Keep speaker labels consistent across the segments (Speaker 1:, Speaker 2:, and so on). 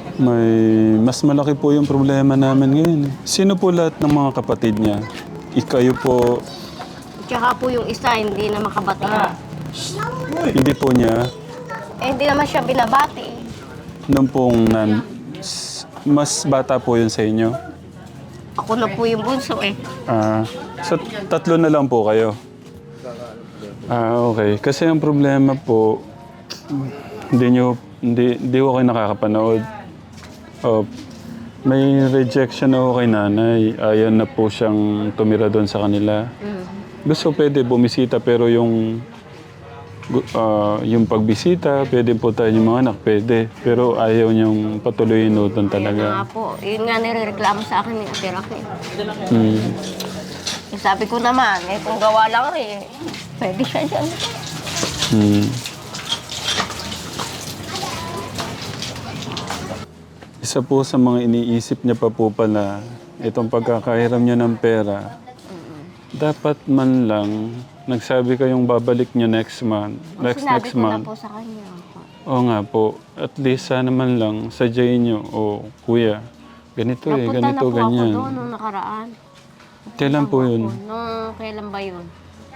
Speaker 1: May mas malaki po yung problema namin ngayon. Sino po lahat ng mga kapatid niya? Ikayo po,
Speaker 2: Tsaka po yung isa, hindi na makabati.
Speaker 1: hindi po niya,
Speaker 2: Hindi naman siya binabati.
Speaker 1: nung pong mas bata po yun sa inyo.
Speaker 2: Ako na po yung bunso eh.
Speaker 1: So tatlo na lang po kayo. Okay. Kasi ang problema po, hindi ko kayo nakakapanood. Oh, may rejection na ako kay nanay. Ayaw na po siyang tumira doon sa kanila. Gusto pwede bumisita pero yung pagbisita, pwede po tayo yung mga anak, pwede. Pero ayaw niyang patuloyin doon
Speaker 2: Nga
Speaker 1: talaga.
Speaker 2: po, yun nga nirereklamo sa akin ni Ate Raquel.
Speaker 1: Hmm.
Speaker 2: Eh, sabi ko naman, kung gawa lang rin, pwede siya dyan.
Speaker 1: Hmm. Isa po sa mga iniisip niya pa po pala, itong pagkakahiram niya ng pera, dapat man lang, nagsabi kayong babalik niyo next month, next
Speaker 2: Sinabi ko na
Speaker 1: month.
Speaker 2: po sa kanya.
Speaker 1: Oo nga po, at least sana man lang, sadyain niyo, kuya, ganito
Speaker 2: Napunta na
Speaker 1: ganito,
Speaker 2: po
Speaker 1: ganyan.
Speaker 2: ako doon nung nakaraan.
Speaker 1: Kailan po yun?
Speaker 2: Nung kailan ba yun?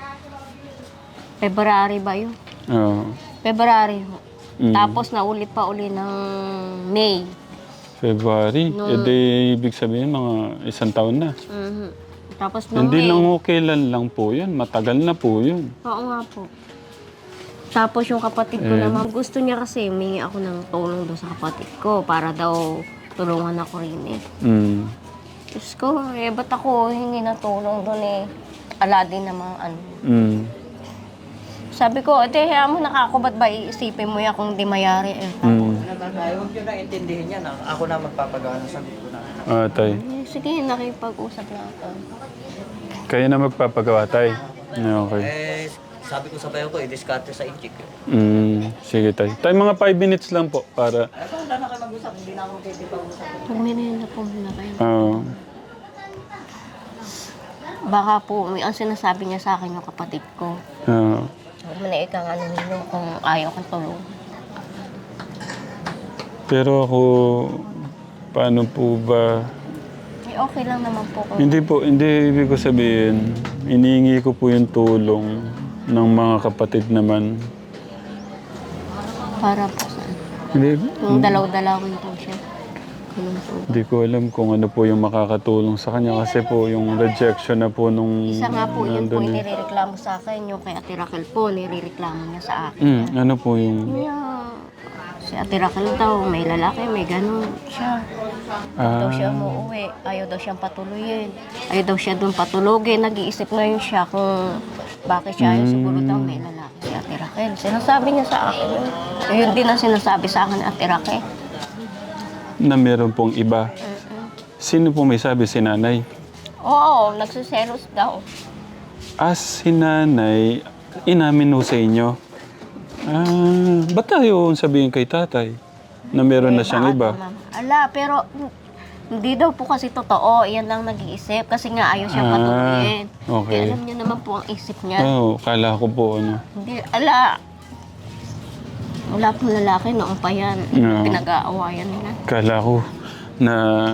Speaker 2: February ba yun?
Speaker 1: Oo.
Speaker 2: February ho.
Speaker 1: Mm.
Speaker 2: Tapos naulit pa uli ng May.
Speaker 1: February?
Speaker 2: No.
Speaker 1: E di, ibig sabihin, mga isang taon na.
Speaker 2: Mhm. Tapos nung
Speaker 1: Hindi
Speaker 2: May.
Speaker 1: lang kailan lang po yun, matagal na po yun.
Speaker 2: Oo nga po. Tapos yung kapatid ko naman, gusto niya kasi humingi ako ng tulong doon sa kapatid ko para daw tulungan ako rin eh.
Speaker 1: Mm.
Speaker 2: Diyos ko, ba't ako hingi ng tulong doon eh? Ala din namang ano.
Speaker 1: Mm.
Speaker 2: Sabi ko, hayaan mo na ako, ba't ba iisipin mo yan kung di mayari eh?
Speaker 1: Mm.
Speaker 3: Huwag nyo na intindihin yan. Ako na magpapagawa ng sagot ko na.
Speaker 1: Tay.
Speaker 2: Sige, nakipag-usap na ako.
Speaker 1: Kayo na magpapagawa, tay. Okay.
Speaker 3: Sabi ko sa bayo ko, i-discarte sa inchik.
Speaker 1: Sige, tay. Tay, mga 5 minutes lang po para...
Speaker 3: Wala na kayo mag-usap, hindi na ako magpipag-usap.
Speaker 2: Pagminin na po muna kayo. Baka po, ang sinasabi niya sa akin yung kapatid ko. Huwag mo na ikang ano nino kung ayaw kong tulong.
Speaker 1: Pero ako, paano po ba...
Speaker 2: Okay lang naman po kung
Speaker 1: Hindi ibig ko sabihin, iniingi ko po yung tulong ng mga kapatid naman.
Speaker 2: para po sa
Speaker 1: Hindi,
Speaker 2: yung dalaw-dalawin po siya. Ganun po.
Speaker 1: hindi ko alam kung ano po yung makakatulong sa kanya kasi po yung rejection na po nung...
Speaker 2: Isa nga po, yun po
Speaker 1: nandun eh.
Speaker 2: inireklamo sa akin. Yung kay Ate Raquel po, nireklamo niya sa akin.
Speaker 1: Ano po yung...
Speaker 2: Si Ate Raquel daw, may lalaki, may ganun siya. Daw siya umuwi. Ayaw daw siyang patuloyin. Ayaw daw siya doon patulogin. Nag-iisip ngayon siya kung bakit siya ayaw. Siguro daw may lalaki si Ate Raquel. Sinasabi niya sa akin. Yun din ang sinasabi sa akin ni Ate Raquel.
Speaker 1: Na meron pong iba. Sino po may sabi? Si nanay?
Speaker 2: Oo, nagsiselos daw.
Speaker 1: Si nanay, inamin ho sa inyo. Ba't tayo sabihin kay tatay na meron na siyang iba?
Speaker 2: Ala, pero hindi daw po kasi totoo. Iyan lang nag-iisip kasi nga ayaw siyang patuloyin.
Speaker 1: okay.
Speaker 2: Alam niya naman po ang isip niya.
Speaker 1: Kala ko po ano.
Speaker 2: Hindi, ala. Wala pong lalaki noong pa yan. Pinag-aawayan nila.
Speaker 1: Kala ko na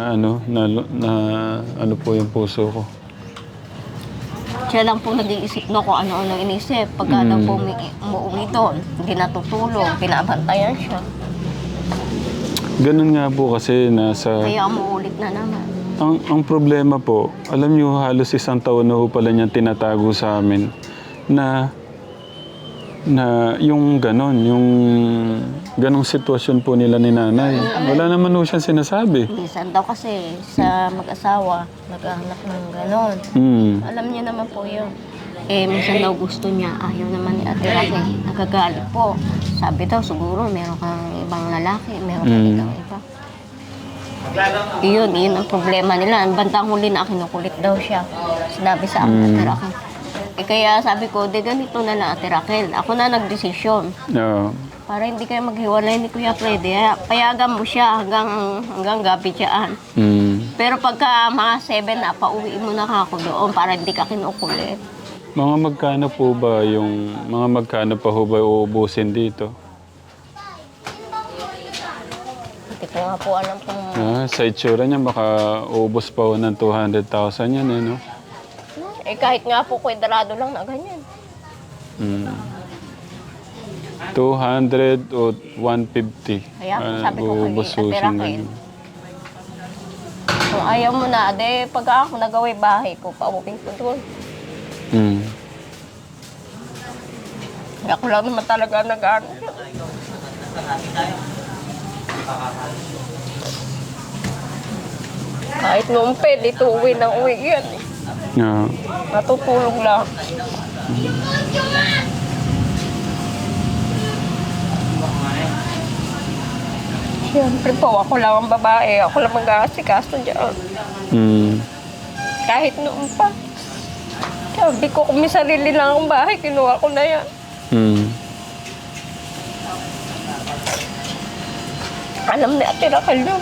Speaker 1: ano po yung puso ko.
Speaker 2: Siya lang po nag-iisip no kung ano-ano inisip. Pagka daw po umuwi doon, hindi natutulong, pinabantayan siya.
Speaker 1: Ganun nga po kasi nasa...
Speaker 2: Kaya umuulit na naman.
Speaker 1: Ang problema po, alam niyo halos isang taon na ho pala niyang tinatago sa amin na yung ganong sitwasyon po nila ni nanay. Wala naman ho siyang sinasabi.
Speaker 2: Minsan daw kasi sa mag-asawa, naghahanap ng ganon. Alam niya naman po yun. Minsan daw gusto niya, ayaw naman ni Ate Raquel. Nagagalit po. Sabi daw, siguro meron kang ibang lalaki, meron kang ibang iba. Yun ang problema nila. Ang bandang huli na kinukulit daw siya. Sinabi sa akin, Ate Raquel. Kaya sabi ko, ganito na lang, Ate Raquel. Ako na nagdesisyon. Para hindi kayo maghiwalay ni Kuya Freddy. Payagan mo siya hanggang gabi dyan. Pero pagka mga 7 na, pauwiin mo na ako doon para hindi ka kinukulit.
Speaker 1: Mga magkano pa ho ba uubusin dito?
Speaker 2: Hindi ko Hindi ko nga po alam kung...
Speaker 1: Sa itsura niya, baka ubos pa ho ng 200,000 yan, eh, no?
Speaker 2: Eh kahit nga po kwadrado lang na ganyan.
Speaker 1: 200 o 150.
Speaker 2: Kaya po sabi ko kay
Speaker 1: ubos ho
Speaker 2: Ate
Speaker 1: siyang
Speaker 2: Raquel.
Speaker 1: ganyan.
Speaker 2: Kung ayaw mo na, pag ako nagaway bahay ko, pauwi ko doon. Ako lang naman talaga nag-ano. Kahit noong pwede, uwi ng uwi yan.
Speaker 1: Yeah.
Speaker 2: Natutulog lang. Siyempre po, ako lang ang babae. Ako lang mag-aasikaso dyan. Kahit noon pa. Sabi ko, kung may sarili lang akong bahay, kinuha ko na yan. Alam ni Ate Raquel yun.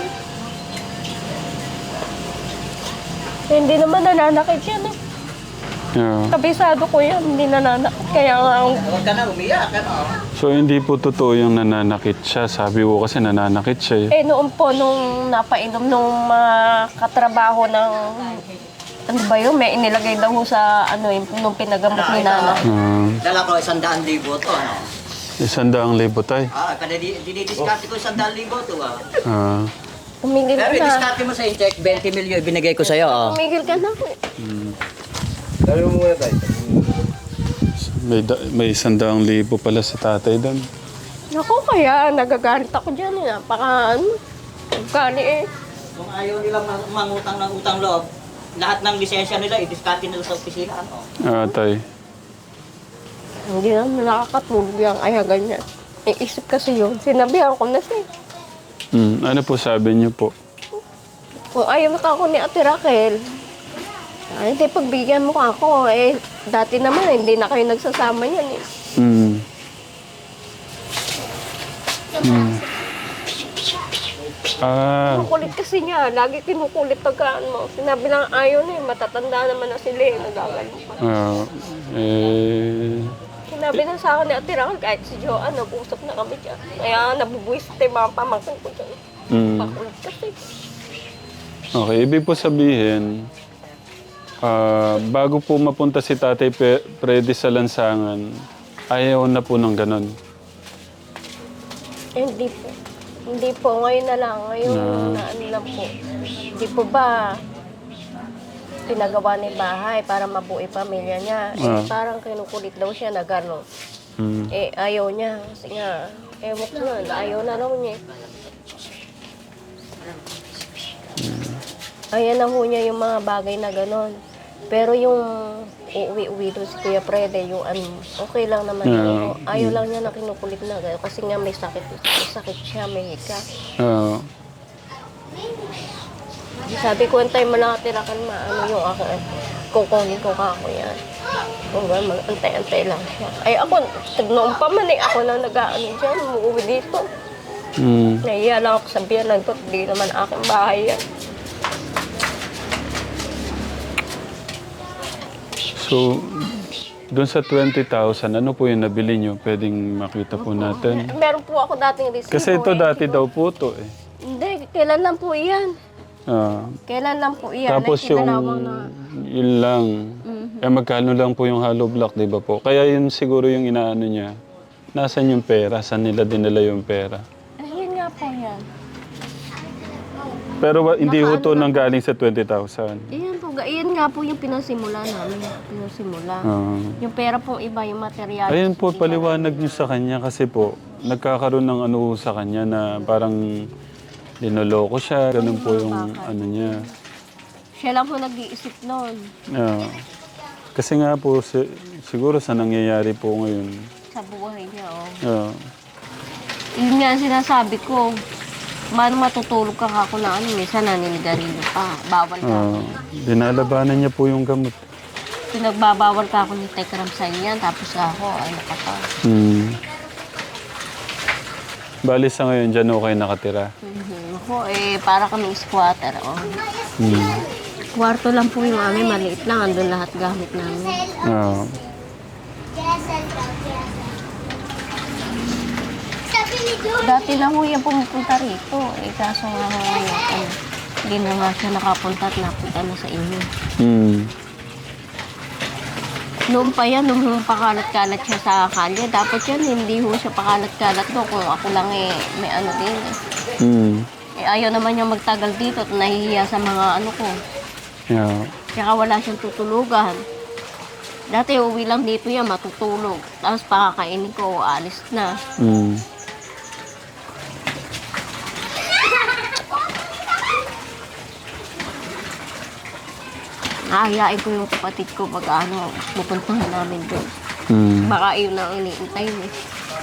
Speaker 2: Hindi naman nananakit yan.
Speaker 1: Yeah.
Speaker 2: Kabisado ko yan, hindi nananakit. Kaya nga,
Speaker 3: Huwag ka na umiyak, ano?
Speaker 1: So, hindi po totoo yung nananakit siya. Sabi ko kasi nananakit siya, eh.
Speaker 2: noon po, nung napainom nung mga katrabaho ng, ano ba yun, may inilagay daw ho sa, nung pinagamot ni Nana.
Speaker 3: Dala ko 100,000 to, ano?
Speaker 1: 100,000 tay.
Speaker 3: Kada dinidiskarte ko 100,000 to,
Speaker 2: Tumigil
Speaker 3: Pero
Speaker 2: ka na.
Speaker 3: i-discarte mo sa check, 20 million binigay ko sa'yo,
Speaker 2: Tumigil ka na.
Speaker 4: Dali mo muna tayo.
Speaker 1: May 100,000 pala si tatay doon.
Speaker 2: Naku, kaya nagagalit ako dyan. Napaka, gani eh.
Speaker 3: Kung ayaw nilang mangutang ng utang loob, lahat ng lisensya nila, i-discarte nila sa opisina, ano?
Speaker 1: Tay.
Speaker 2: Hindi naman nakakatulog yung kaya ganyan. Iisip kasi yun. Sinabihan ko na siya.
Speaker 1: Ano po sabi niyo po?
Speaker 2: Kung ayaw ka ako ni Ate Raquel, hindi pagbigyan mo ako. Dati naman hindi na kayo nagsasama yan eh. Ang kulit kasi niya. Lagi kinukulit pagkaan mo. Sinabi lang ayaw na eh. Matatanda naman na sila eh. Nagagano pa. Sinabi na sa akin ni Ate Raquel, kahit si Joanne, nag-usap na kami dyan. Kaya nabubuisit yung mga pamangkin ko dyan. Pakulit kasi.
Speaker 1: Okay, ibig po sabihin, bago po mapunta si Tatay Freddy sa lansangan, ayaw na po ng ganon.
Speaker 2: Hindi po. Hindi po. Ngayon na lang. Ngayon na ano lang po. Hindi po ba pinagawa ni bahay para mabuo pamilya niya. Parang kinukulit daw siya na gano'n. Ayaw niya. Kasi nga, ewan ko na, ayaw na raw niya. Ayaw na ho niya yung mga bagay na gano'n. Pero yung uuwi-uwi doon si Kuya Freddy, yung okay lang naman yun. Ayaw lang niya na kinukulit na gano'n. Kasi nga may sakit siya, may hika. Sabi ko, antay mo lang Ate Raquel, maano yung ako, kukunin ko ako yan. Kung gano'n, antay-antay lang siya. Ay ako, noon pa man ako lang nag-aano dyan, umuwi dito. Nahiya lang ako sabihan lang ko, hindi naman aking bahay yan.
Speaker 1: So, doon sa 20,000, ano po yung nabili nyo? Pwedeng makita po natin.
Speaker 2: Meron po ako dating resibo.
Speaker 1: Kasi ito dati daw po to eh.
Speaker 2: Hindi, kailan lang po iyan. Kailan lang po iyan.
Speaker 1: Tapos yung, yun lang. Magkano lang po yung hollow block, di ba po? Kaya yun siguro yung inaano niya. Nasaan yung pera? Saan nila dinala yung pera?
Speaker 2: Yun nga po yan.
Speaker 1: Pero hindi ho to nang galing sa 20,000.
Speaker 2: Iyan nga po yung pinasimula namin. Yung pera pong iba, yung material.
Speaker 1: Ayun po, paliwanag niyo sa kanya kasi po, nagkakaroon ng ano sa kanya na parang linoloko siya. Ganun po yung ano niya.
Speaker 2: Siya lang po nag-iisip noon.
Speaker 1: Kasi nga po, siguro sa nangyayari po ngayon.
Speaker 2: Sa buhay niya, Yun nga ang sinasabi ko. Paano matutulog ka kako na minsan naninigarilyo pa. Bawal ka.
Speaker 1: Dinalabanan niya po yung gamot.
Speaker 2: Pinagbabawal ka ako ni Tekram sa inyan, tapos ako, ay nakapa.
Speaker 1: Bali sa ngayon, dyan okay nakatira.
Speaker 2: Ako, para kami squatter. Kwarto lang po yung amin, maliit lang. Andun lahat gamit namin. Dati na ho yan pumupunta rito. Eh, kaso nga ho ngayon, hindi na nga siya nakapunta at napunta na sa inyo.
Speaker 1: Hmm.
Speaker 2: Noon pa yan, nung pakalat-kalat siya sa kalye, dapat yan, hindi ho siya pakalat-kalat doon. Kung ako lang may ano din eh.
Speaker 1: Hmm.
Speaker 2: Eh, ayaw naman niya magtagal dito at nahihiya sa mga ano ko.
Speaker 1: Yeah.
Speaker 2: Tsaka wala siyang tutulugan. Dati uwi lang dito yan, matutulog. Tapos pakakainin ko, alis na.
Speaker 1: Hmm.
Speaker 2: Nahihain ko yung kapatid ko pag ano, pupuntahan namin doon.
Speaker 1: Hmm.
Speaker 2: Baka yun ang iniintay niya.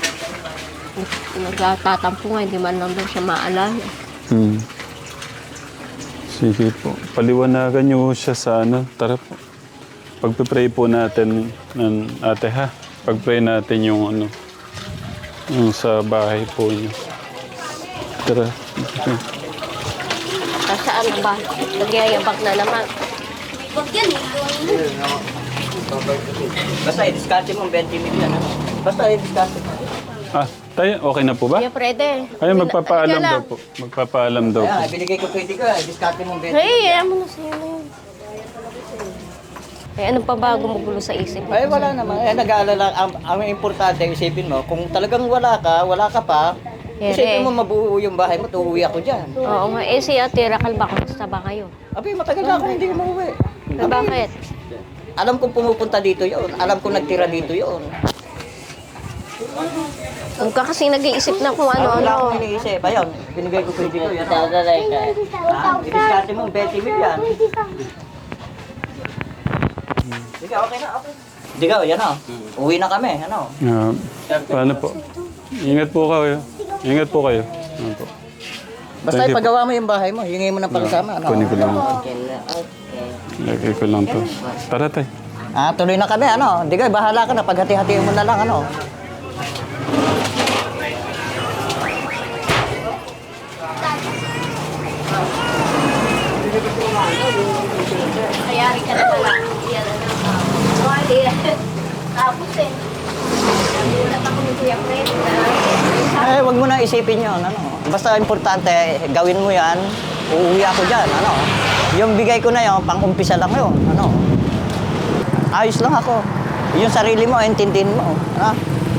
Speaker 2: Nagtatampo nga, hindi man lang daw siya maalala.
Speaker 1: Hmm. Sige po. Paliwanagan niyo siya sa ano. Tara po. Pagpipray po natin ng ate ha. Pagpray natin yung ano. Yung sa bahay po niyo. Tara. Okay.
Speaker 2: Tapos saan ba? Nagyayabag na naman.
Speaker 3: Basta i-discarte mo ang 20 million. Ano? Basta i-discarte mo.
Speaker 1: Ah, tayo. Okay na po ba?
Speaker 2: Kuya Frede.
Speaker 1: Ay, magpapaalam daw po. Magpapaalam daw po.
Speaker 3: Ayan, binigay ko 20 ka. I-discarte mo ang 20
Speaker 2: Hey, ayan mo na siya na yun. Eh, ano pa ba gumugulo sa isip mo?
Speaker 3: Ay, wala naman. Eh, nag-aalala. Ang importante, isipin mo, kung talagang wala ka pa, isipin mo mabuo yung bahay mo, uuwi ako dyan.
Speaker 2: Oo nga. Eh, si Ate Raquel ba? Kamusta ba kayo?
Speaker 3: Abi, matagal na ako hindi umuwi.
Speaker 2: Eh, bakit?
Speaker 3: Alam kong pumupunta dito yon. Alam kong nagtira dito yon.
Speaker 2: Huwag ka kasi nag-iisip na kung
Speaker 3: Wala
Speaker 2: ano-ano.
Speaker 3: akong iniisip. Ayun, binigay ko 20 ko. Yan, dadalay ka. I-discarte mo 20 million. Sige, okay na, okay. Sige, yan o. Uwi na kami, ano.
Speaker 1: Paano po? Ingat po kayo. Ingat po kayo. Ano po?
Speaker 3: Basta
Speaker 1: Thank you.
Speaker 3: ipagawa mo yung bahay mo, hingin mo ng pagsama, ano.
Speaker 1: Kunin ko lang. Lagay ko lang to. Tara tayo.
Speaker 3: Tuloy na kami, ano. Hindi ka, bahala ka na. Paghati-hatiin mo na lang, ano.
Speaker 2: Kayari ka na pala. Yan na lang. Tapos eh. Nagulat ako ni Kuya Fred.
Speaker 3: Wag mo na isipin yun, ano. Basta importante, gawin mo yan, uuwi ako dyan, ano. Yung bigay ko na yun, pang-umpisa lang yun, ano. Ayos lang ako. Yung sarili mo, intindihin mo, ano.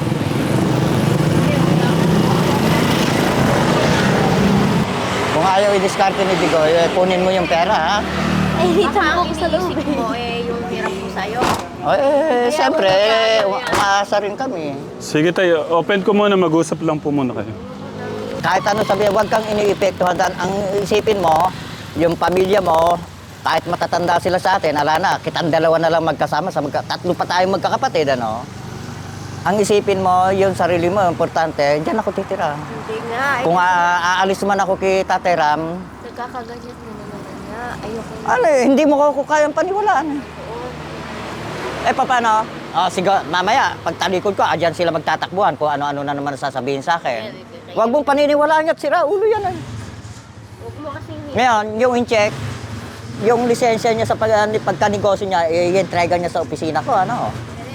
Speaker 3: Kung ayaw i-discarte ni Digo, kunin mo yung pera, ha.
Speaker 2: Eh, dito mo ako sa loob. Mo eh, yung hirap ko sa'yo.
Speaker 3: Siyempre, umaasa rin kami.
Speaker 1: Sige tayo. Open ko muna. Mag-usap lang po muna kayo.
Speaker 3: Kahit ano sabihin, huwag kang iniipektuhan. Ang isipin mo, yung pamilya mo, kahit matatanda sila sa atin, ala na, kitang dalawa na lang magkasama, tatlo pa tayong magkakapatid, ano? Ang isipin mo, yung sarili mo, importante, dyan ako titira.
Speaker 2: Hindi nga.
Speaker 3: Kung aalis man ako kay Tatay Ram,
Speaker 2: Nagkakaganyan mo naman nga. Ayoko na.
Speaker 3: ano hindi mo ko kayang paniwalaan. Paano? Sige, mamaya, pag talikod ko, dyan sila magtatakbuhan kung ano-ano na naman sasabihin sa akin. Huwag mong paniniwalaan at sira, ulo yan.
Speaker 2: Huwag mo kasi
Speaker 3: Ngayon, yung in-check, yung lisensya niya sa pagkanegosyo niya, i-entrega niya sa opisina ko, ano?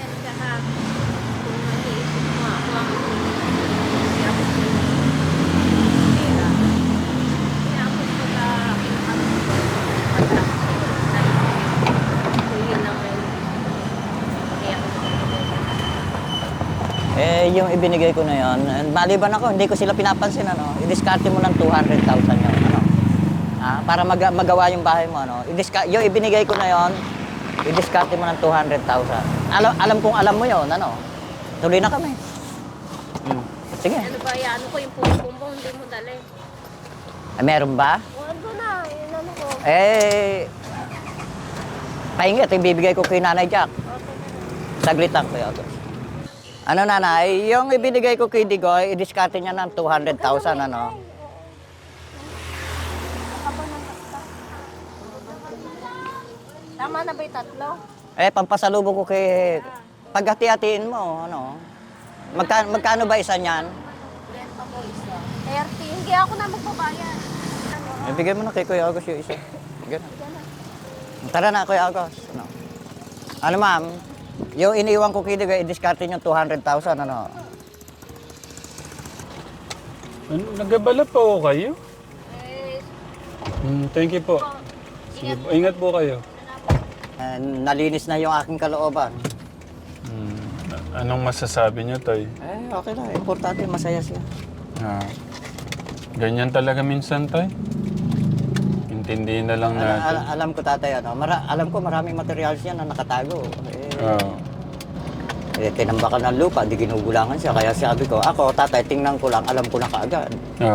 Speaker 3: Yung ibinigay ko na yon, maliban ako, hindi ko sila pinapansin, ano? I-discarte mo ng 200,000 yun, ano? Para magawa yung bahay mo, ano? Yung ibinigay ko na yon, i-discarte mo ng 200,000. Alam kong alam mo yon, ano? Tuloy na kami. Sige.
Speaker 2: ano ba yan? Ano ko yung pumpumbong, hindi mo dali.
Speaker 3: Meron ba?
Speaker 2: Huwag ko na. Yun ano ko.
Speaker 3: Pahingi, ito ibibigay ko kay Nanay Jack. Saglit lang ko yun. Ano nanay, yung ibinigay ko kay Digoy, i-discarte niya ng 200,000, ano?
Speaker 2: Tama na ba yung tatlo?
Speaker 3: Pampasalubong ko kay... Paghati-hatiin mo, ano? Magkano ba isa niyan?
Speaker 2: 30. Hindi ako na magbabayad.
Speaker 3: Ibigay mo na kay Kuya Agos yung isa. Ganun. Tara na, Kuya Agos. Ano ma'am? Yung iniwan ko kay Digoy, i-discarte niyo 200,000, ano?
Speaker 1: Ano, nagabala pa ho kayo? Thank you po. Sige po. Ingat po kayo.
Speaker 3: Nalinis na yung aking kalooban.
Speaker 1: Anong masasabi niyo, Tay?
Speaker 3: Okay lang. Importante, masaya siya.
Speaker 1: Ganyan talaga minsan, Tay. Intindihin na lang natin.
Speaker 3: Alam ko tatay, alam ko maraming materials yan na nakatago. Tinambakan ng lupa, di ginugulangan siya. Kaya sabi ko, ako tatay, tingnan ko lang, alam ko na kaagad.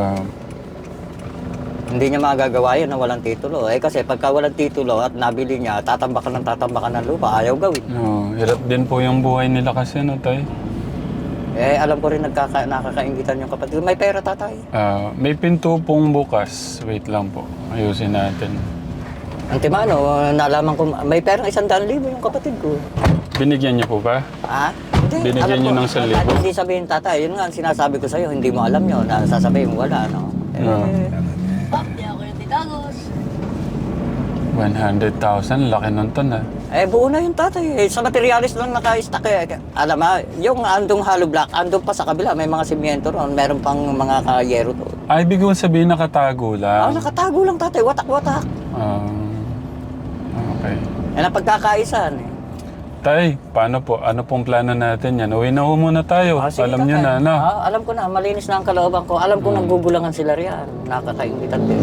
Speaker 3: Hindi niya magagawa yun na walang titulo. Kasi pagka walang titulo at nabili niya, tatambakan ng lupa, ayaw gawin.
Speaker 1: Hirap din po yung buhay nila kasi, no, Tay?
Speaker 3: Alam ko rin nakakaingitan yung kapatid. May pera tatay.
Speaker 1: May pinto pong bukas. Wait lang po. Ayusin natin.
Speaker 3: Antimano, nalaman ko, may perang 100,000 yung kapatid ko.
Speaker 1: Binigyan niyo po ba?
Speaker 3: Hindi.
Speaker 1: Binigyan niyo ng 1,000?
Speaker 3: Hindi sabihin tatay, yun nga ang sinasabi ko sa'yo, hindi mo alam yun, sasabihin mo wala, no?
Speaker 2: Hindi ako yung tinagos.
Speaker 1: 100,000, laki nun to na.
Speaker 3: Buo na yung tatay. Sa materialis lang naka-stack Alam mo, yung andong hollow block, andong pa sa kabila, may mga simyento ron, meron pang mga kayero to.
Speaker 1: Ibig ko sabihin nakatago lang.
Speaker 3: Nakatago lang tatay, watak-watak.
Speaker 1: Okay.
Speaker 3: Yan ang pagkakaisan
Speaker 1: Tay, paano po? Ano pong plano natin yan? Uwi na ho muna tayo.
Speaker 3: Sige,
Speaker 1: Alam niyo na, no?
Speaker 3: alam ko na, malinis na ang kalooban ko. Alam ko nagbubulangan sila riyan. Nakakaingitan din.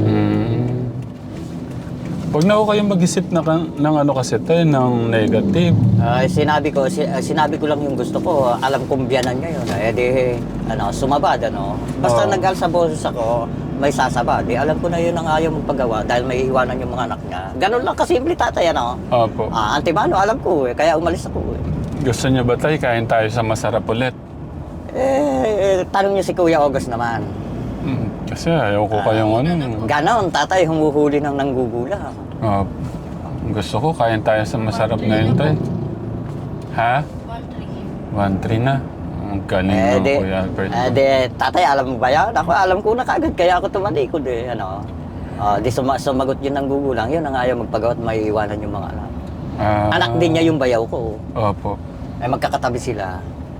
Speaker 1: Huwag na ho kayong mag-isip ng ano kasi tayo, ng negative.
Speaker 3: Sinabi ko lang yung gusto ko. Alam kong biyanan niya yun. Sumabad, Basta nag-al sa boses ako, may sasaba. Alam ko na yun ang ayaw magpagawa dahil may iwanan yung mga anak niya. Ganun lang kasimple tatay,
Speaker 1: Opo.
Speaker 3: Antimano, alam ko kaya umalis ako
Speaker 1: Gusto niyo ba tayo, kain tayo sa masarap ulit?
Speaker 3: Tanong niyo si Kuya August naman.
Speaker 1: Kasi ayaw ko kayong ano.
Speaker 3: Ganon, tatay, humuhuli ng nanggugula.
Speaker 1: Gusto ko, kain tayo sa masarap na yun, Tay. Ha? 1-3 na. Ang galing ng Kuya Albert.
Speaker 3: Tatay, alam mo ba yan? Ako, alam ko na kagad, kaya ako tumalikod sumagot yun ng gugulang, yun ang ayaw magpagawa at may iwanan yung mga anak. Anak din niya yung bayaw ko.
Speaker 1: Opo.
Speaker 3: Magkakatabi sila.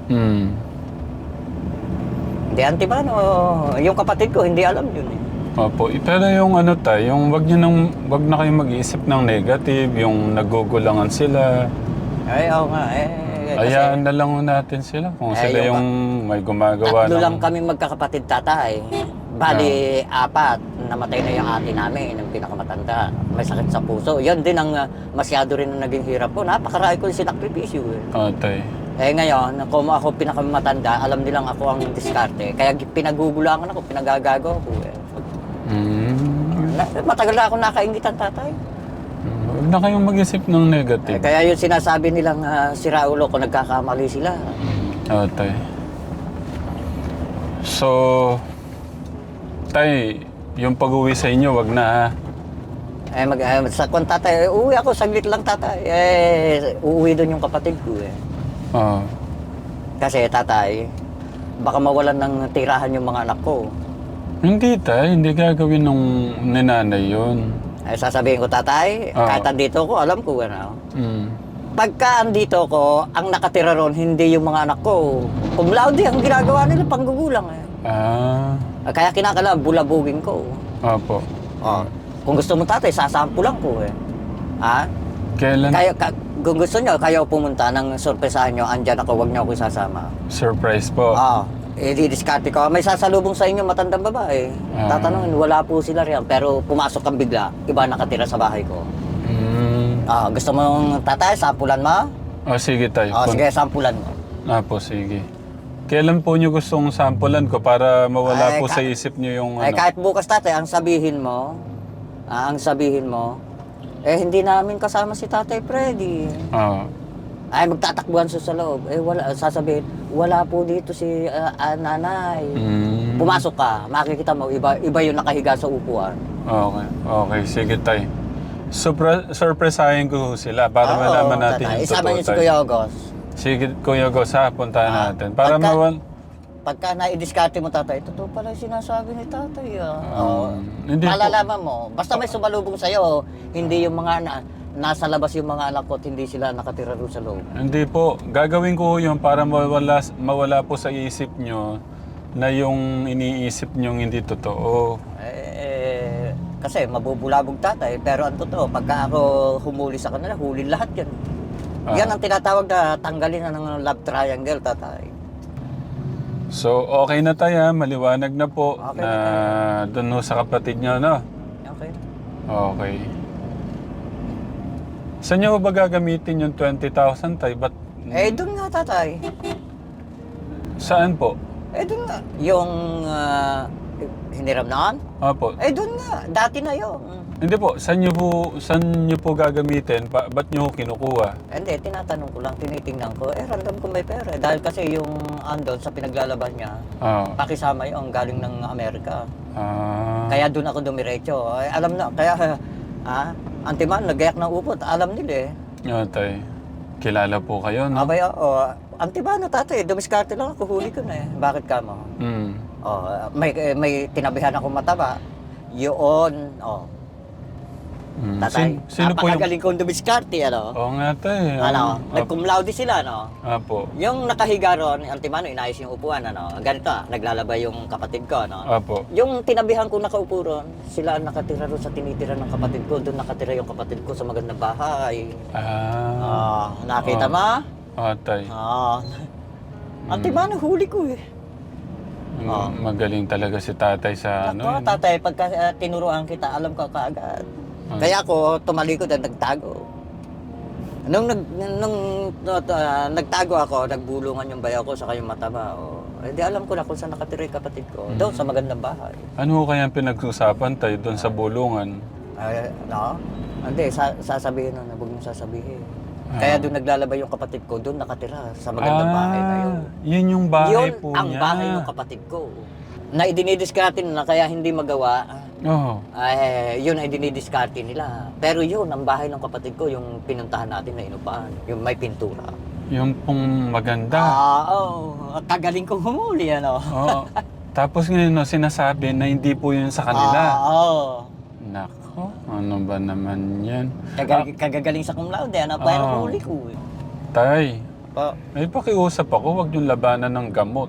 Speaker 3: Hindi, Antibano, yung kapatid ko, hindi alam yun
Speaker 1: Opo. Pero yung ano tayo, yung wag na kayong mag-iisip ng negative, yung nagugulangan sila.
Speaker 3: Oo nga,
Speaker 1: Hayaan na lang natin sila kung sila yung may gumagawa
Speaker 3: tatlo lang kami magkakapatid tatay. Bali, 4. Namatay na yung ate namin, yung pinakamatanda. May sakit sa puso. Yan din ang masyado rin ang naging hirap ko. Napakarami ko yung sinakripisyo
Speaker 1: Tay.
Speaker 3: Ngayon, kung ako pinakamatanda, alam nilang ako ang diskarte. Kaya pinagugulangan ako, pinagagago ako Matagal na ako nakaingitan tatay.
Speaker 1: Huwag na kayong mag-isip ng negative.
Speaker 3: Kaya yung sinasabi nilang si Raulo kung nagkakamali sila.
Speaker 1: Tay. So, Tay, yung pag-uwi sa inyo, wag na
Speaker 3: Sa kung tatay, uuwi ako, saglit lang tatay. Uuwi doon yung kapatid ko Kasi tatay, baka mawalan ng tirahan yung mga anak ko.
Speaker 1: Hindi Tay, hindi gagawin ng ninanay yun.
Speaker 3: Sasabihin ko tatay, kahit andito ko, alam ko Pagka andito ko, ang nakatira ron, hindi yung mga anak ko. Cum laude, ang ginagawa nila, panggugulang Kaya kinakailangan, bulabugin ko.
Speaker 1: Opo.
Speaker 3: Kung gusto mo tatay, sasampulan ko
Speaker 1: Kailan?
Speaker 3: Kung gusto nyo, kayo pumunta ng sorpresahan nyo, andyan ako, wag nyo ako isasama.
Speaker 1: Surprise po.
Speaker 3: Didiskarte ko. May sasalubong sa inyo matandang babae. Tatanungin, wala po sila riyan. Pero pumasok kang bigla, iba nakatira sa bahay ko. Gusto mong tatay, sampulan mo?
Speaker 1: Sige tayo.
Speaker 3: Sige, sampulan mo.
Speaker 1: Po, sige. Kailan po nyo gustong sampulan ko para mawala po sa isip nyo yung
Speaker 3: Kahit bukas tatay, ang sabihin mo, hindi namin kasama si Tatay Freddy. Magtatakbuhan sa loob. Sasabihin, wala po dito si nanay. Pumasok ka, makikita mo, iba yung nakahiga sa upuan.
Speaker 1: Okay, sige tay. Surpresahin ko sila para malaman natin yung
Speaker 3: Isama
Speaker 1: totoo
Speaker 3: niyo si Kuya August.
Speaker 1: Sige, Kuya August puntahan natin. Para
Speaker 3: Pagka naidiskarte mo tatay, totoo pala yung sinasabi ni tatay.
Speaker 1: Hindi
Speaker 3: malalaman mo. Basta may sumalubong sa'yo, hindi yung mga nasa labas yung mga anak ko at hindi sila nakatira doon sa loob.
Speaker 1: Hindi po. Gagawin ko yun para mawala po sa isip nyo na yung iniisip niyong hindi totoo.
Speaker 3: Kasi mabubulabog tatay, pero ang totoo, pagka ako humuli sa kanila, huli lahat yan. Yan ang tinatawag na tanggalin na ng love triangle, tatay.
Speaker 1: So, okay na tayo, maliwanag na po
Speaker 3: Okay
Speaker 1: na doon ho sa kapatid niyo, no?
Speaker 3: Okay.
Speaker 1: Okay. Saan niyo ba gagamitin yung 20,000 tay? Ba't
Speaker 3: Doon nga, tatay.
Speaker 1: saan po?
Speaker 3: Doon nga. Yung hiniram naan?
Speaker 1: Opo.
Speaker 3: Doon nga. Dati na yun.
Speaker 1: Hindi po, saan niyo po gagamitin? Ba't niyo ho kinukuha?
Speaker 3: Hindi, tinatanong ko lang, tinitingnan ko. Random ko may pera. Dahil kasi yung andon sa pinaglalaban niya, pakisama yung galing ng Amerika. Kaya doon ako dumiretso. Alam na, kaya, Antiman, nagayak ng upot. Alam nila
Speaker 1: Tay, kilala po kayo, no?
Speaker 3: Abay, Antiman, tatay, dumiskarte lang ako, huli ko na Bakit ka mo? May tinabihan ako mataba. Yun, Tatay,
Speaker 1: Sino po yung...
Speaker 3: napakagaling kong dumiskarte,
Speaker 1: Oo nga, tay.
Speaker 3: Nag-cum laude sila,
Speaker 1: Apo.
Speaker 3: Yung nakahiga ron, Antimano, inayos yung upuan, Ganito, naglalabay yung kapatid ko,
Speaker 1: Apo.
Speaker 3: Yung tinabihan ko nakaupo ron, sila ang nakatira ron sa tinitira ng kapatid ko. Doon nakatira yung kapatid ko sa magandang bahay. Nakita mo?
Speaker 1: Tay.
Speaker 3: Antimano, huli ko
Speaker 1: Magaling talaga si tatay sa
Speaker 3: Ako, tatay, pagka tinuruan kita, alam ko kaagad. Kaya ako tumalikod at nagtago. Nung nagtago ako, nagbulungan yung bayaw ko sa kayong mataba. Hindi alam ko na kung saan nakatira yung kapatid ko. Doon sa magandang bahay.
Speaker 1: Ano kaya ang pinag-usapan tayo doon sa bulungan?
Speaker 3: Hindi, sasabihin na, huwag mong sasabihin. Kaya doon naglalabay yung kapatid ko, doon nakatira sa magandang bahay na yun.
Speaker 1: Yun yung bahay
Speaker 3: Yun
Speaker 1: po
Speaker 3: ang
Speaker 1: niya.
Speaker 3: bahay ng kapatid ko. Na idinidiskarte na kaya hindi magawa, yun ay dinidiskarte nila. Pero yun, ang bahay ng kapatid ko, yung pinuntahan natin na inupahan, yung may pintura.
Speaker 1: Yung pong maganda.
Speaker 3: Kagaling kong humuli,
Speaker 1: Tapos ngayon, sinasabi na hindi po yun sa kanila. Nako, ano ba naman yan?
Speaker 3: Kagagaling sa cum laude, pero huli ko.
Speaker 1: Tay, may pakiusap ako, huwag yung labanan ng gamot.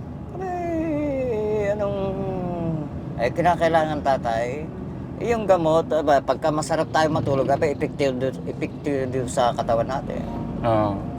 Speaker 3: Kinakailangan tatay, yung gamot, pagka masarap tayo matulog, epektibo sa katawan natin.